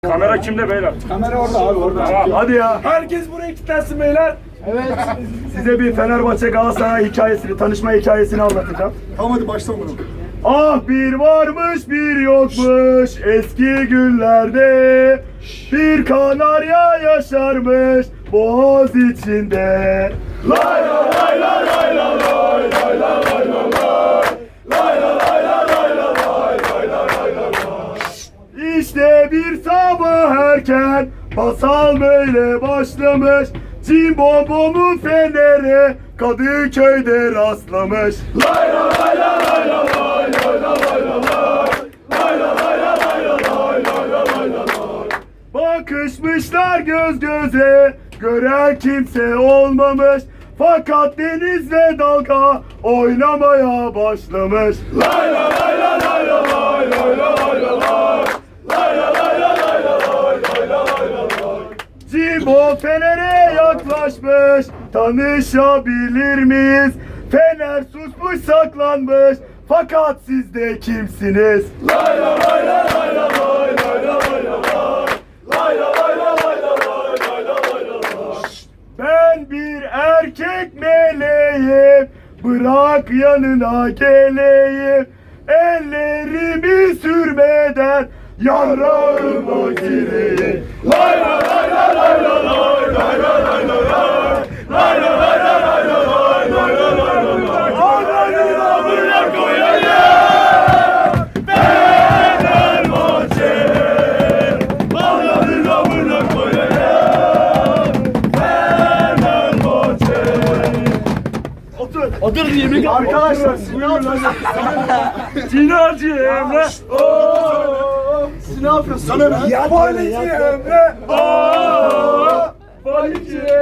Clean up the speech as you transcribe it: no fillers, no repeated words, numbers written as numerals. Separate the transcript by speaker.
Speaker 1: Kamera kimde beyler?
Speaker 2: Kamera orada abi orada.
Speaker 1: Hadi ya.
Speaker 2: Herkes buraya kilitlensin beyler.
Speaker 3: Evet.
Speaker 1: Size bir Fenerbahçe Galatasaray hikayesini, tanışma hikayesini anlatacağım.
Speaker 2: Tamam hadi başla bunu.
Speaker 1: Ah bir varmış bir yokmuş eski günlerde, bir kanarya yaşarmış boğaz içinde. Lay la lay la lay la lay lay la lay la lay. Lay la lay la lay la lay lay la lay la lay. İşte bir sabah erken masal böyle başlamış. Cimbombo'nun feneri Kadıköy'de rastlamış. Lay la lay la lay la lay lay la lay la lay. Lay la lay la lay la lay lay la lay la lay. Bakışmışlar göz göze, gören kimse olmamış. Fakat deniz ve dalga oynamaya başlamış. Lay la lay la lay la lay lay la lay la lay. Lay la lay la lay la lay lay la lay la lay. Cimbom Fener'e yaklaşmış, tanışabilir miyiz? Fener susmuş saklanmış, fakat siz de kimsiniz? Lay la lay la lay la lay lay la lay la lay. Lay la lay la lay la lay lay la lay la lay. Ben bir erkek meleğim, bırak yanına geleyim. Ellerimi sürmeden yanlarıma gireyim. Lay la lay la lay la lay lay la lay la lay. Lay la lay la lay la lay lay la lay la lay. Ananı amına koyayım. Fenerbahçe. Ananı amına koyayım. Fenerbahçe.
Speaker 3: Otur yemek
Speaker 1: Arkadaşlar Cinacı Emre.
Speaker 3: Siz ne yapıyorsun?
Speaker 2: Yabancı Emre.
Speaker 1: Valici